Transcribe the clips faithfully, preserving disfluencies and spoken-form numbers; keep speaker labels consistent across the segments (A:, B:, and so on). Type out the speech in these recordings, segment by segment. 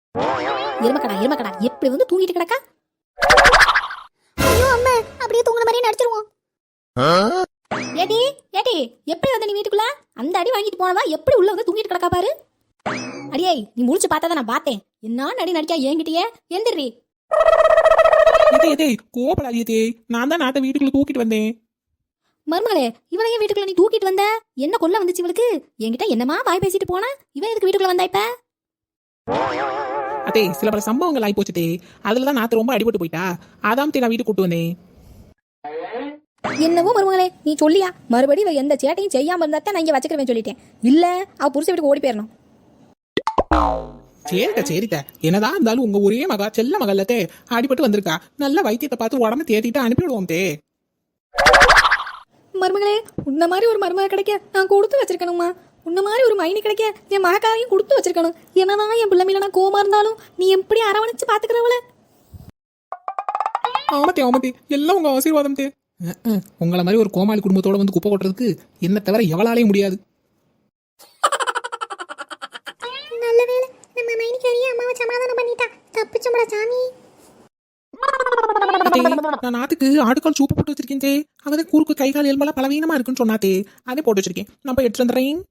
A: எருமக்கடா எருமக்கடா எப்படி வந்து தூங்கிட்டு கிடக்கா?
B: ஐயோ அம்மா, அப்படியே தூங்குற மாதிரியே நடிச்சிருவோம்.
A: ஏடி ஏடி எப்படி வந்த நீ வீட்டுக்குள்ள? அந்த அடி வாங்கிட்டு போனவா எப்படி உள்ள வந்து தூங்கிட்டு கிடக்கா பாரு. அடியே நீ முழிச்சு பார்த்தா நான் பார்த்தேன். என்ன நடி நடிக்கா என்கிட்டயே எந்திரி.
C: இதே இதே கோபப்படாதே, நான் தான் நாத்த வீட்டுக்குள்ள தூக்கிட்டு வந்தேன்.
A: மருமகளே இவளையே வீட்டுக்குள்ள நீ தூக்கிட்டு வந்த? என்ன கொல்ல வந்துச்சு இவளுக்கு? என்கிட்ட என்னமா வாய் பேசிட்டு போனா? இவன் எதுக்கு வீட்டுக்குள்ள வந்தா இப்ப?
C: அதே சில பல சம்பவங்கள் ஆகி போச்சுதே, அதுலதான் நாத்து ரொம்ப அடிபட்டு போயிட்டா. அதான் நான் வீட்டுக்கு கூட்டு வந்தேன்.
A: என்னவோ மருமகளே நீ சொல்லியா? மறுபடியும் இவ எந்த சேட்டையும் செய்யாம இருந்தா நான் இங்க வச்சுக்கிறேன் சொல்லிட்டேன். இல்ல அவ புருஷ வீட்டுக்கு ஓடி போயிடணும்.
C: சரிக்கா சரித்த, என்னதான் இருந்தாலும் உங்க ஒரே மகா செல்ல மகள்லத்தே அடிபட்டு வந்திருக்கா. நல்ல வைத்தியத்தை பார்த்து உடம்பு தேத்திட்டு அனுப்பிவிடுவோம் தே.
A: மருமகளே உன்ன மாதிரி ஒரு மருமக கிடைக்க நான் கொடுத்து வச்சிருக்கணுமா? உன்ன மாதிரி ஒரு மைனி கிடைக்க என் மகக்காரையும் கொடுத்து வச்சிருக்கணும். என்னதான் என் பிள்ளை மேல நான் கோமா இருந்தாலும் நீ எப்படி அரவணைச்சு பாத்துக்கிறவள?
C: ஆமத்தே ஆமத்தே, எல்லாம் உங்க ஆசீர்வாதம் தே. உங்களை மாதிரி ஒரு கோமாளி குடும்பத்தோட வந்து குப்பை கொட்டுறதுக்கு என்ன தவிர எவளாலே முடியாது.
B: நல்ல வேளை நம்ம மைனிக்காரியே அம்மாவை சமாதானம் பண்ணிட்டா. தப்பிச்சோம்டா சாமி.
C: நான் நாத்துக்கு ஆடுகால் சூப்பு போட்டு வச்சிருக்கேன் தே. அங்கதான் கூருக்கு கை கால் எலும்பெல்லாம் பலவீனமா இருக்குன்னு சொன்னாத்தே, அதே போட்டு வச்சிருக்கேன். நான் போய் எடுத்து வந்துடுறேன்.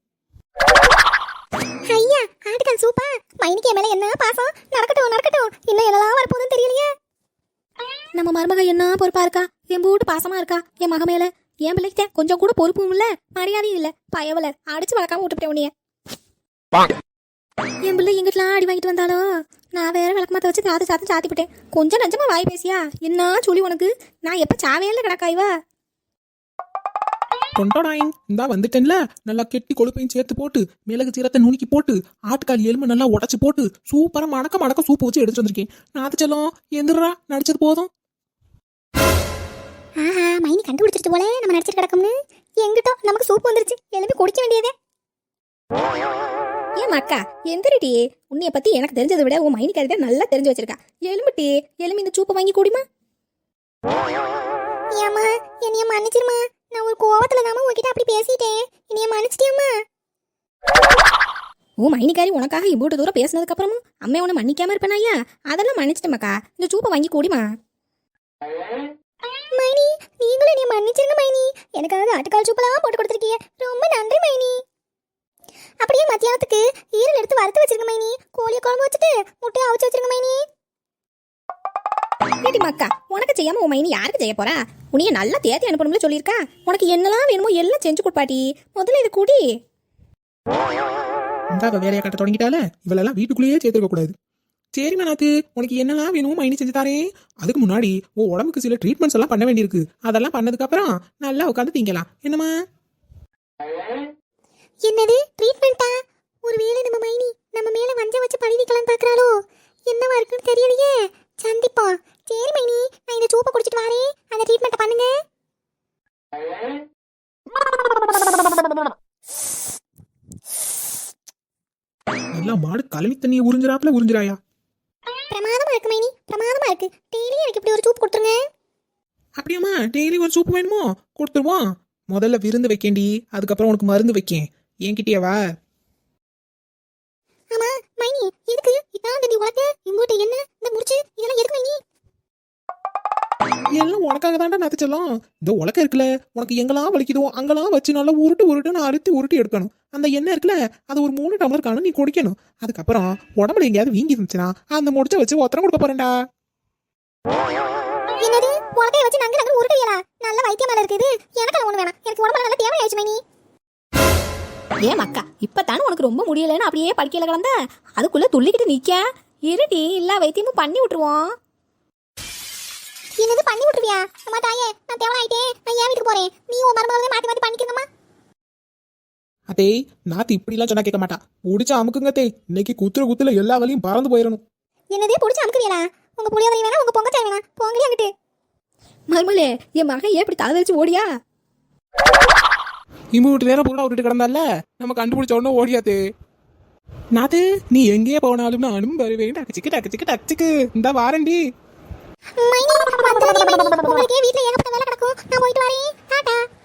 B: ஐயா ஆட்டுக்கால் சூப்பா? மைனிக்கு மேல என்ன பாசம். நடக்கட்டும் நடக்கட்டும், இன்னும் என்னெல்லாம் வரப்போகுதுன்னு தெரியலையே.
A: நம்ம மருமக என்ன பொறுப்பா இருக்கா, என் போட்டு பாசமா இருக்கா என் மக மேல. என் பிள்ளைக்கு கொஞ்சம் கூட பொறுப்பும் இல்ல மரியாதையும் இல்ல. பயவல அடிச்சு வளர்க்காம விட்டுட்டேன் உன்னைய. என் பிள்ளை எங்கிட்டலாம் அடி வாங்கிட்டு வந்தாலோ நான் வேற விளக்கமாத்த வச்சு காது சாத்து சாத்திவிட்டேன். கொஞ்சம் நஞ்சமா வாய் பேசியா என்ன சொல்லி உனக்கு? நான் எப்ப சாவையில கிடக்காய்வா?
C: தொண்டோடாயின் இந்தா வந்துட்டேன்ல. நல்லா கெட்டி கொழுப்பையும் சேர்த்து போட்டு மிளகு சீரத்தை நுணுக்கி போட்டு ஆட்டுக்கால் எலும்பு நல்லா உடச்சு போட்டு சூப்பரா மணக்க மணக்க சூப்பு வச்சு எடுத்து வந்திருக்கேன். நாத்து செல்லம் எந்திரா, நடிச்சது போதும்.
B: ஆஹா மைனி கண்டுபிடிச்சிட்டு போல நம்ம நடிச்சிட்டு கிடக்கும்னு. எங்கிட்டோ நமக்கு சூப்பு வந்துருச்சு, எழுப்பி குடிக்க வேண்டியதே.
A: ஏன் அக்கா எந்திரிட்டி, உன்னைய பத்தி எனக்கு தெரிஞ்சதை விட உன் மைனி கருத நல்லா தெரிஞ்சு வச்சிருக்கா. எலும்புட்டி எலும்பு இந்த சூப்பை வாங்கி கூடிமா.
B: ஏம்மா என்னைய மன்னிச்சிருமா, நான் ஒரு கோவத்துல தாமா உங்ககிட்ட அப்படி பேசிட்டேன். என்னைய மன்னிச்சிட்டியம்மா.
A: உன் மைனிக்காரி உனக்காக இவ்வளவு தூரம் பேசினதுக்கு அப்புறமும் அம்மே உன்னை மன்னிக்காம இருப்பேனா? ஐயா அதெல்லாம் மன்னிச்சிட்டேமாக்கா. இந்த சூப்பை வாங்கி கூடிமா.
B: மைனி நீங்களும் என்னைய மன்னிச்சிருங்க மைனி. எனக்காக ஆட்டுக்கால் சூப்பெல்லாம் போட்டு கொடுத்துருக்கீங்க, ரொம்ப நன்றி மைனி. அப்படியே மத்தியானத்துக்கு ஈரல் எடுத்து வறுத்து வச்சிருங்க மைனி. கோழியை குழம்பு வச்சுட்டு முட்டையை அவிச்சு வச்சிருங்க மைனி.
A: ஏடி மக்கா உனக்கு செய்யாம உன் மைனி யாருக்கு செய்ய போறா? உன்னைய நல்லா தேத்தி அனுப்பணும்னு சொல்லியிருக்கா. உனக்கு என்னெல்லாம் வேணுமோ எல்லாம் செஞ்சு கொடுப்பாட்டி. முதல்ல இது கூடி.
C: இந்த வேலையை கட்ட தொடங்கிட்டால இவளெல்லாம் வீட்டுக்குள்ளேயே சேர்த்துக்க கூடாது. சரி மனாத்து, உனக்கு என்னெல்லாம் வேணும் மைனி செஞ்சு தாரே. அதுக்கு முன்னாடி உன் உடம்புக்கு சில ட்ரீட்மெண்ட்ஸ் எல்லாம் பண்ண வேண்டியிருக்கு. அதெல்லாம் பண்ணதுக்கு அப்புறம் நல்லா உட்காந்து திங்கலாம். என்னமா?
B: என்னது ட்ரீட்மெண்டா? ஒருவேளை நம்ம மைனி நம்ம மேல வஞ்ச வச்சு பழி வைக்கலாம் பாக்குறாளோ? என்னவா இருக்குன்னு தெரியலையே. சந்திப்பா. சரி மைனி, நான் இந்த சூப்பை குடிச்சிட்டு வரேன், அந்த ட்ரீட்மெண்ட்டை பண்ணுங்க.
C: நல்லா மாடு கலவி தண்ணியை உறிஞ்சிராப்ல உறிஞ்சிராயா?
B: பிரமாதமா இருக்கு மைனி, பிரமாதமா இருக்கு. டெய்லி எனக்கு இப்படி ஒரு சூப் கொடுத்துருங்க.
C: அப்படியாம்மா, டெய்லி ஒரு சூப்பு வேணுமோ? கொடுத்துருவோம். முதல்ல விருந்து வைக்கேண்டி, அதுக்கப்புறம் உனக்கு மருந்து வைக்கேன். என்கிட்டயவா?
B: ஆமா மைனி, எதுக்கு இதான் தண்ணி உனக்கு இங்கோட்ட என்ன இந்த முடிச்சு இதெல்லாம் எதுக்கு மைனி?
C: எல்லாம் உனக்காக தாண்டா நத்துச்சலாம். இந்த உலக்க இருக்குல்ல, உனக்கு எங்கெல்லாம் வலிக்குதோ அங்கெல்லாம் வச்சு நல்லா உருட்டு உருட்டுன்னு அறுத்தி உருட்டி எடுக்கணும். அந்த எண்ணெய் இருக்குல்ல, அது ஒரு மூணு டம்ளர் காணும் நீ குடிக்கணும். அதுக்கப்புறம் உடம்புல எங்கேயாவது வீங்கி இருந்துச்சுன்னா அந்த முடிச்ச வச்சு ஒத்தரம் கொடுக்க போறேன்டா.
B: என்னது உலக்கைய வச்சு நங்க நங்க உருட்டுவீங்களா? நல்ல வைத்தியம் மேல இருக்குது. எனக்கு ஒண்ணு வேணாம், எனக்கு உடம்புல நல்ல தேவை ஆயிடுச்சு மைனி.
A: ஏன் மக்கா இப்பத்தானே உனக்கு ரொம்ப முடியலன்னு அப்படியே படிக்கல கிடந்த அதுக்குள்ள துள்ளிக்கிட்டு நிக்க இருடி. எல்லா வைத்தியமும் பண்ணி விட்டுருவோம்.
B: என்னது பண்ணி விட்டுருவியா? அம்மா தாயே, நான் தேவன ஆயிட்டேன், நான் ஏன் வீட்டுக்கு போறேன். நீ உன் மருமகளை மாத்தி மாத்தி பண்ணிக்கிறங்கம்மா.
C: அதே நாத்து இப்படிலாம் சொன்னா கேட்க மாட்டா. பிடிச்ச அமுக்குங்க தே, இன்னைக்கு குத்துற குத்துல எல்லா வலியும் பறந்து போயிடணும்.
B: என்னதே பிடிச்ச அமுக்குவீங்களா? உங்க புளியோதரை வேணா, உங்க பொங்கச்சாய் வேணா, போங்கடி அங்கிட்டு.
A: மருமலே என் மகன் ஏன் இப்படி தலை வச்சு ஓடியா?
C: இம்பு விட்டு நேரம் பூரா விட்டுட்டு கிடந்தால நம்ம கண்டுபிடிச்ச உடனே ஓடியாத்தே. நாத்து நீ எங்கேயே போனாலும் நானும் வருவேன். டக்குச்சிக்கு டக்குச்சிக்கு டக்குச்சிக்கு இந்த வாரண்டி.
B: மைனி வந்துடாதே மைனி, உங்களுக்கே வீட்ல ஏகப்பட்ட வேலை கிடக்கும். நான் போயிட்டு வரேன். டாடா.